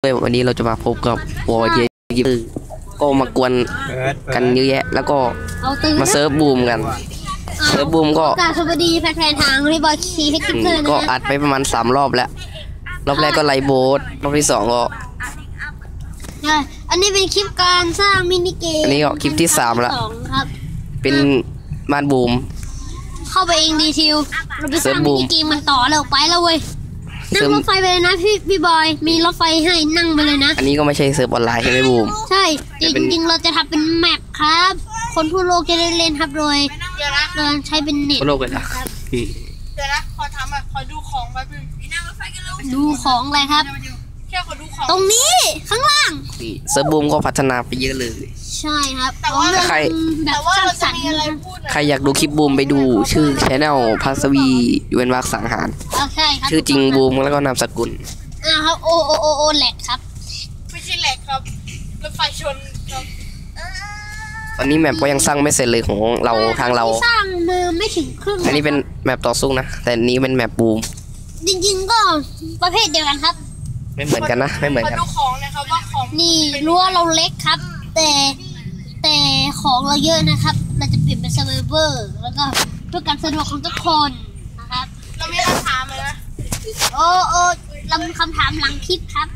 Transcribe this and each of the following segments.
เลยวันนี้เราจะมาพบกับวอร์เยอร์ก็มากวนกันเยอะแยะแล้วก็มาเซิร์ฟบูมกันเซิร์ฟบูมก็สวัสดีแฟนๆทางรีบอยคีให้กิ๊กเลยนะก็อัดไปประมาณ3 รอบแล้วรอบแรกก็ไลโบสรอบที่2ก็อันนี้เป็นคลิปการสร้างมินิเกมอันนี้ก็คลิปที่3แล้วเป็นบ้านบูมเข้าไปเองดีทิวเราไปสร้างมินิเกมมันต่อแล้วไปแล้วเว้ยนั่งรถไฟไปเลยนะพี่บอยมีรถไฟให้นั่งไปเลยนะอันนี้ก็ไม่ใช่เซิร์ฟออนไลน์ใช่ไหมบูมใช่จริงๆเราจะทำเป็นแมปครับคนทั่วโลกจะได้เล่นครับโดยเราใช้เป็นเน็ตทั่วโลกเลยนะเดี๋ยวนะขอทำอ่ะขอดูของแป๊บนึงดูของอะไรครับแค่ขอดูของตรงนี้ข้างล่างเซิร์ฟบูมก็พัฒนาไปเยอะเลยใช่ครับแต่ว่าใครอยากดูคลิปบูมไปดูชื่อชแนลพัสวีเว้นวรรคสังหารใช่ครับชื่อจริงบูมแล้วก็นามสกุลครับโอแหลกครับไม่ใช่แหลกครับรถไฟชนครับตอนนี้แมปก็ยังสร้างไม่เสร็จเลยของเราทางเราสร้างมาไม่ถึงครึ่งอันนี้เป็นแมปต่อสู้นะแต่นี้เป็นแมปบูมจริงๆก็ประเภทเดียวกันครับไม่เหมือนกันนะไม่เหมือนกันดูของนะครับว่าของนี่รั้วเราเล็กครับแต่ของเราเยอะนะครับเราจะเปลี่ยนเป็นเซิร์ฟเวอร์แล้วก็เพื่อการสะดวกของทุกคนนะครับเรามีคำถามเลยนะเรามีคำถามหลังคลิปครับ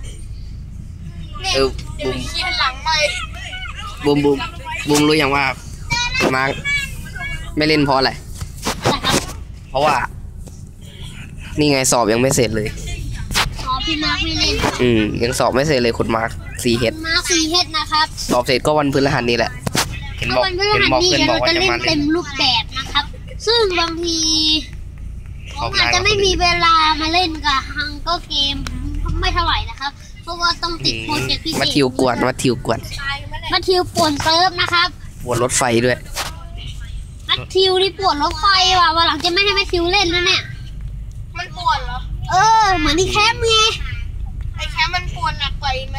บูมเขียนหลังไม่บูมรู้ยังว่ามาร์คไม่เล่นเพราะอะไรเพราะว่านี่ไงสอบยังไม่เสร็จเลยพี่มาร์คไม่เล่นยังสอบไม่เสร็จเลยคุณมาร์ค4H มาร์ค4Hนะครับสอบเสร็จก็วันพฤหัสนี้แหละเห็นบอกเพื่อนบอกว่าจะมาเต็มรูปแบบนะครับซึ่งบางทีผมอาจจะไม่มีเวลามาเล่นกับฮังก็เกมไม่เท่าไหร่นะครับเพราะว่าต้องติดโปรเจกต์พิเศษมาทิวกวนป่วนเซิร์ฟนะครับปวดรถไฟด้วยมาทิวนี่ปวดรถไฟว่ะวันหลังจะไม่ให้มาทิวเล่นแล้วเนี่ยมันปวดเหรอเหมือนที่แคมป์ไงไอ้แคมป์มันปวดหนักกว่าอีกไหม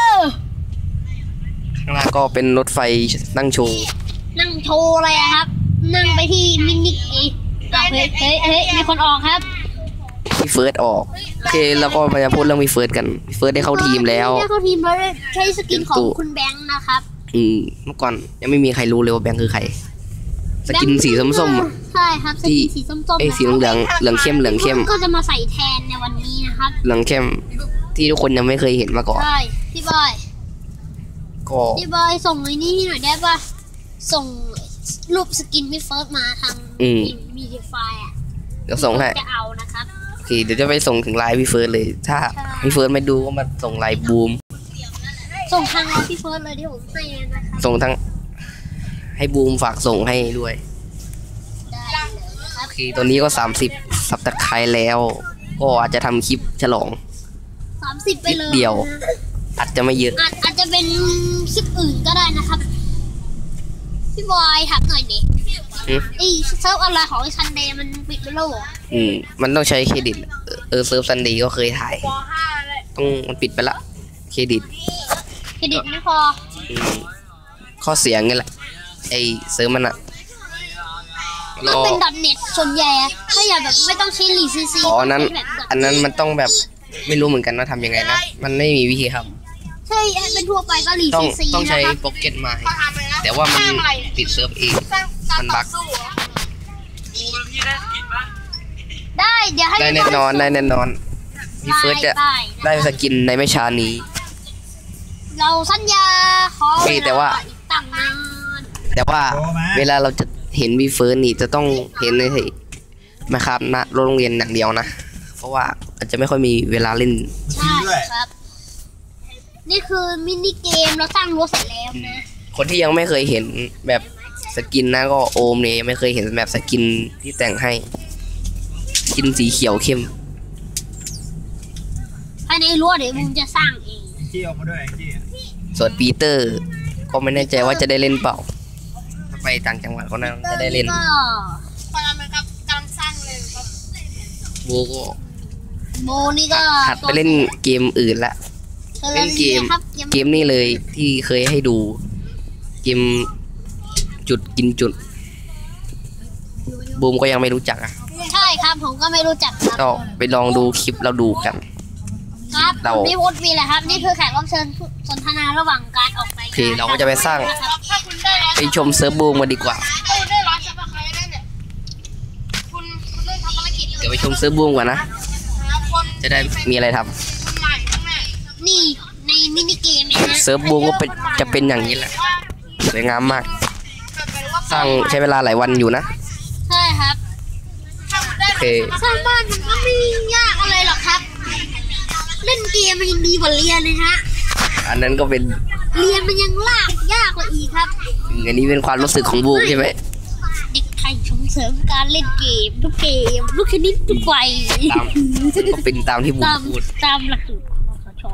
ข้างล่างก็เป็นรถไฟนั่งโชว์อะไรครับนั่งไปที่มินิเฮ้ยมีคนออกครับมีเฟิร์สออกโอเคแล้วก็มาพูดเรื่องมีเฟิร์สกันเฟิร์สได้เข้าทีมแล้วใช้สกินของคุณแบงค์นะครับเมื่อก่อนยังไม่มีใครรู้เลยว่าแบงค์คือใครสกินสีส้มๆใช่ครับสกินสีส้มๆสีเหลืองเข้มก็จะมาใส่แทนในวันนี้นะครับเหลืองเข้มที่ทุกคนยังไม่เคยเห็นมาก่อนใช่พี่บอยส่งไอ้นี่ให้หน่อยได้ป่ะส่งรูปสกินพี่เฟิร์สมาทางมีดีไฟอ่ะเดี๋ยวส่งให้จะเอานะครับโอเคเดี๋ยวจะไปส่งถึงไลน์พี่เฟิร์สเลยถ้าพี่เฟิร์สไม่ดูก็มาส่งไลน์บูมส่งทางพี่เฟิร์สเลยที่ผมให้นะครับส่งทั้งให้บูมฝากส่งให้ด้วยโอเคตัวนี้ก็30 ซับตะไคร้แล้วก็อาจจะทำคลิปฉลอง 30ไปเลยเดียวอาจจะไม่เยอะอาจจะเป็นคลิปอื่นก็ได้นะครับพี่บอยถามหน่อยดิไอเซิร์ฟอะไรของซันเดย์มันปิดไปแล้วเหรอมันต้องใช้เครดิตเซิร์ฟซันเดย์ก็เคยถ่ายมันปิดไปละเครดิตไม่พอข้อเสียงไงแหละไอเซิร์ฟมันอะมันเป็น.net ส่วนใหญ่ถ้าอยากแบบไม่ต้องใช้ลีซีซีอันนั้นมันต้องแบบไม่รู้เหมือนกันว่าทำยังไงนะมันไม่มีวิธีทำใช่เป็นทั่วไปก็ลีซีซีต้องใช้โปรเกตมาแต่ว่ามันปิดเซิร์ฟเองมันบั๊กได้เดี๋ยวให้ได้แน่นอนพี่เฟิร์สจะได้สกินในไม่ช้านี้เราสัญญาขอแต่ว่าเวลาเราจะเห็นพี่เฟิร์สนี่จะต้องเห็นในนะครับณโรงเรียนอย่างเดียวนะเพราะว่าอาจจะไม่ค่อยมีเวลาเล่นใช่ครับนี่คือมินิเกมเราสร้างรั้วเสร็จแล้วนะคนที่ยังไม่เคยเห็นแบบสกินนะก็โอมเนี่ยไม่เคยเห็นแบบสกินที่แต่งให้สกินสีเขียวเข้มภายในรั้วเดี๋ยวมึงจะสร้างเองจี้ออกมาด้วยจี้ส่วนปีเตอร์ก็ไม่แน่ใจว่าจะได้เล่นเปล่าไปต่างจังหวัดก็น่าจะได้เล่นพอไหมครับกำลังสร้างเลยครับโบนี่ก็หัดไปเล่นเกมอื่นละเล่นเกมนี่เลยที่เคยให้ดูเกมจุดกินจุดบูมก็ยังไม่รู้จักใช่ครับผมก็ไม่รู้จักครับก็ไปลองดูคลิปเราดูกันกครับเราผมพี่พุทธมีแหละครับ นี่คือแขกรับเชิญสนทนาระหว่างการออกรายโอการเคเราก็จะไปสร้างถ้าคุณได้ร้อยไปชมเซิร์ฟบูมกันดีกว่าถ้าคุณได้ร้อยซับสไครต์แล้วเนี่ยคุณเริ่มทำภารกิจเดี๋ยวไปชมเซิร์ฟบูมก่อนนะหาคนจะได้มีอะไรทำคนใหม่ข้างหน้านี่ในมินิเกมนะฮะเซิร์ฟบูมก็จะเป็นอย่างนี้แหละสวยงามมาก สร้างใช้เวลาหลายวันอยู่นะใช่ครับโอเคสร้างบ้านมันก็ไม่ยากอะไรหรอกครับ เล่นเกมมันยังดีกว่าเรียนเลยฮะอันนั้นก็เป็นเรียนมันยังยากกว่าอีกครับอันนี้เป็นความรู้สึกของบูมใช่ไหมเด็กไทยส่งเสริมการเล่นเกมทุกเกมทุกชนิดทุกวัยตามก็เป็นตามที่บูมตามพูดตามหลักสูตรคสช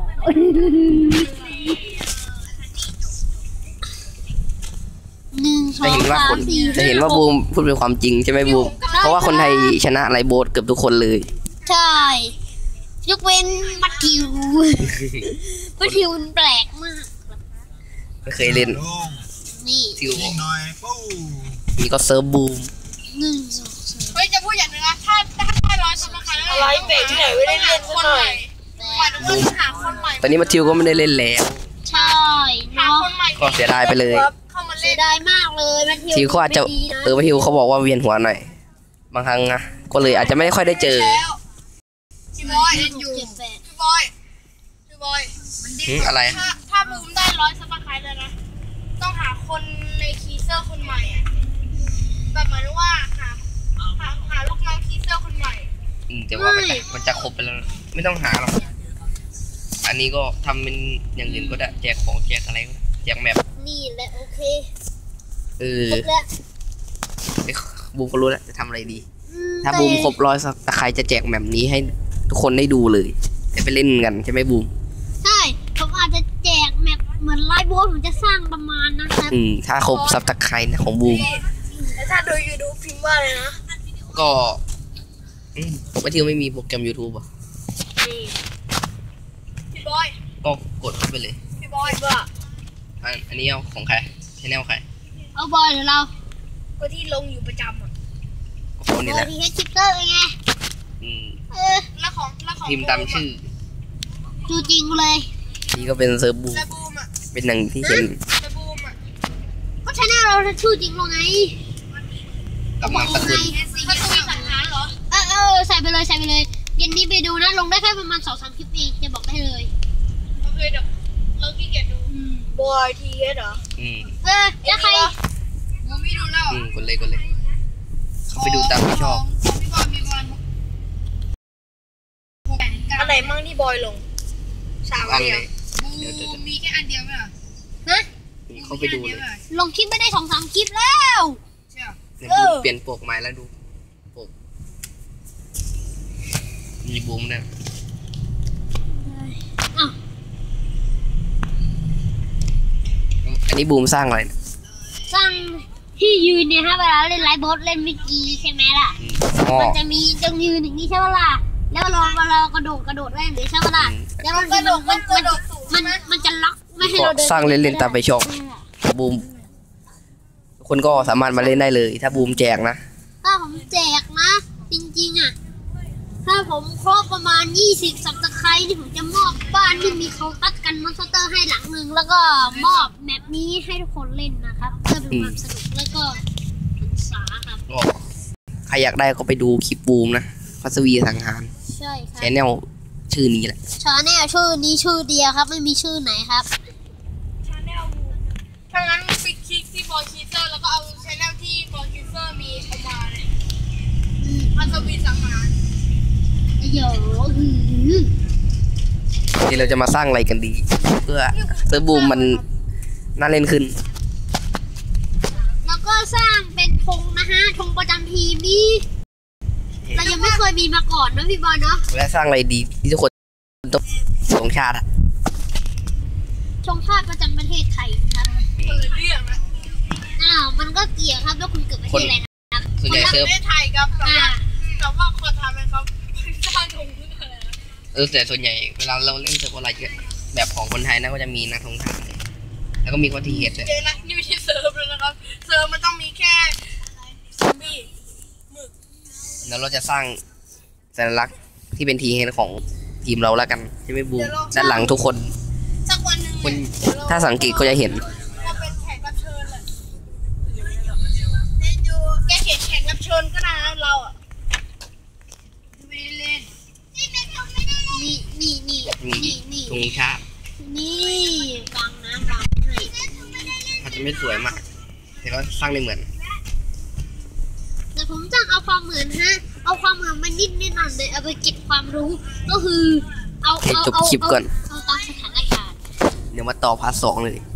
หนึ่งสอจะงเห็นว่าสาคมนสี่จะเห็นว่าบูมพูดเป็นความจริงใช่ไหมบูมเพราะว่าคนไทยชนะไลโบสเกือบทุกคนเลยใช่ยกเว้นมัทธิวมัทธิวมันแปลกมากไม่เคยเล่นนี่ทิวยิงหน่อยปู้นี่ก็เซิร์ฟบูมหนึ่งสองสามเฮ้ยจะพูดอย่างนึงนะถ้าได้ร้อยซับสไครต์แล้วอะไรเบรกที่ไหนไม่ได้เล่นคนใหม่หมายถึงว่าหาคนใหม่ตอนนี้มาทิวก็ไม่ได้เล่นแล้วใช่หาเนาะคนใหม่ก็เสียดายไปเลยเข้ามาเสีเล่ยนดายมากเลยมัทธิวทิวเขาอาจจะไม่ดีนะมาทิวเขาบอกว่าเวียนหัวหน่อยบางครั้งนะก็เลยอาจจะไม่ค่อยได้เจอแล้วพี่บอยอยู่เจ็ดแปดพี่บอยพี่บอยอะไรถ้าบูมได้ร้อยซับสไครต์เลยนะต้องหาคนในคีเซอร์คนใหม่อะแบบหมายถึงว่าหาลูกน้องคีเซอร์คนใหม่แต่ว่ามันจะครบไปแล้วนะไม่ต้องหาหรอกอันนี้ก็ทำเป็นอย่างอื่นก็ได้แจกของแจกอะไรก็ได้แจกแมปนี่แหละโอเคเออครบแล้วบูมก็รู้แล้วจะทำอะไรดีอืถ้าบูมครบ100ซับใครจะแจกแมปนี้ให้ทุกคนได้ดูเลยจะไปเล่นกันใช่ไหมบูมใช่ผมอาจจะแจกแมปเหมือนไลฟ์โบสผมจะสร้างประมาณนะครับถ้าครบซับตะไคร้นะของบูมแล้วถ้าดูยูทูบพิมพ์ว่าเลยนะก็ว่าที่ไม่มีโปรแกรม YouTube อ่ะพี่บอยก็กดเข้าไปเลยพี่บอยว่าอันนี้เอาของใครชแนลใครเอาบอยหรือเราก็ที่ลงอยู่ประจำอ่ะก็คนนี้แหละทีเฮดชิปเตอร์ไงอืมแล้วของพิมพ์ตามชื่อจูจริงเลยนี่ก็เป็นเซิร์ฟบูมและบูมอ่ะเป็นหนังที่เห็นและบูมอ่ะก็ชแนลเราชื่อจริงเราไงกับนามสกุลมันจะมีสังหารเหรอใส่ไปเลยเย็นนี้ไปดูนะลงได้แค่ประมาณ2-3 คลิปเองจะบอกได้เลยโอเคเดี๋ยวเราขี้เกียจดูบอยทีเอสเหรอแล้วใครผมไม่ดูแล้วกดเลยเขาไปดูตามที่ชอบของพี่บอยมีประมาณอันไหนมั่งที่บอยลง3 อัอันนเลเดียวย บูมีแค่อันเดียวไหมอ่ะนะเขาไปดูเลยลงคลิปไม่ได้2-3 คลิปแล้วใช่เนี่ยบูมเปลี่ยนปกใหม่แล้วดูปกมีบูมเนี่ยอ้าวอันนี้บูมสร้างอะไรเนี่ยสร้างที่ยืนเนี่ยฮะเวลาเล่นไลฟ์โบสเล่นเมื่อกี้ใช่ไหมล่ะอ๋อมันจะมีตรงยืนอย่างนี้ใช่ไหมล่ะแล้วเรากระโดดได้อย่างนี้ใช่ไหมล่ะแล้วมันจะล็อกไม่ให้ก็เราเดินสร้างเล่นๆตามไปชอบบูมทุกคนก็สามารถมาเล่นได้เลย ถ้าบูมแจกนะถ้าผมแจกนะ จริงๆอ่ะถ้าผมครบประมาณ20 ซับสไครต์นี่ผมจะมอบบ้านที่มีเขาตัดกันมอนสเตอร์ให้หลังหนึ่งแล้วก็มอบแมปนี้ให้ทุกคนเล่นนะครับเพื่อเป็นความสนุกแล้วก็ศึกษาครับก็ใครอยากได้ก็ไปดูคลิปบูมนะพัสวีสังหารใช่ครัแชนแนลชื่อนี้แหละชาแนลชื่อนี้ชื่อเดียวครับไม่มีชื่อไหนครับชาแนลบูมถ้างั้นไปคลิกที่บอยคีเซอร์แล้วก็เอาชาแนลที่บอยคีเซอร์มีเอามาเลยมันจะมีสังหารเดี๋ยวนี่เราจะมาสร้างอะไรกันดี เพื่อเซิร์ฟบูมมันน่าเล่นขึ้นแล้วก็สร้างเป็นธงนะฮะธงประจำทีมนี่เรายังไม่เคยมีมาก่อนนะพี่บอลเนาะและสร้างอะไรดีที่ทุกคนต้องสงชาติอะธงชาติประจำประเทศไทยนะครับคนละเรื่องนะมันก็เกี่ยวครับแล้วคุณเกิดประเทศอะไรนะครับส่วนใหญ่ปเซิร์ฟระเทศไทยครับแต่ว่าคนทำให้เขาสร้างตรงนี้อะไรนะแต่ส่วนใหญ่เวลาเราเล่นเซิร์ฟอะไรแบบของคนไทยนะก็จะมีนักธงชาติแล้วก็มีคนที่เห็ดเลยเจ๊นะนี่ไม่ใช่เซิร์ฟเลยนะครับเซิร์ฟมันต้องมีแค่ซอมบี้แล้วเราจะสร้างสัญลักษณ์ที่เป็นทีเห็ดของทีมเราแล้วกันใช่ไหมบูมด้านหลังทุกคนสักวันหนึ่งคุณเดี๋ยวเรถ้าสังเกตก็จะเห็นเราเป็นแขกรับเชิญเลยแกเขียนแขกรับเชิญก็ได้นะเราอ่ะไม่ได้เล่นนี่นี่นี่นี่นี่ตรงชาตินี่บางน้ำบางให้อาจจะไม่สวยมากแต่ก็สร้างได้เหมือนแต่ผมจะเอาความเหมือนฮะเอาความเหมือนมานิดนิดหน่อยเลยเอาไปเก็บความรู้ก็คือเอาให้จบคลิปก่อนเอาตามสถานการณ์เดี๋ยวมาต่อพาร์ท 2เลย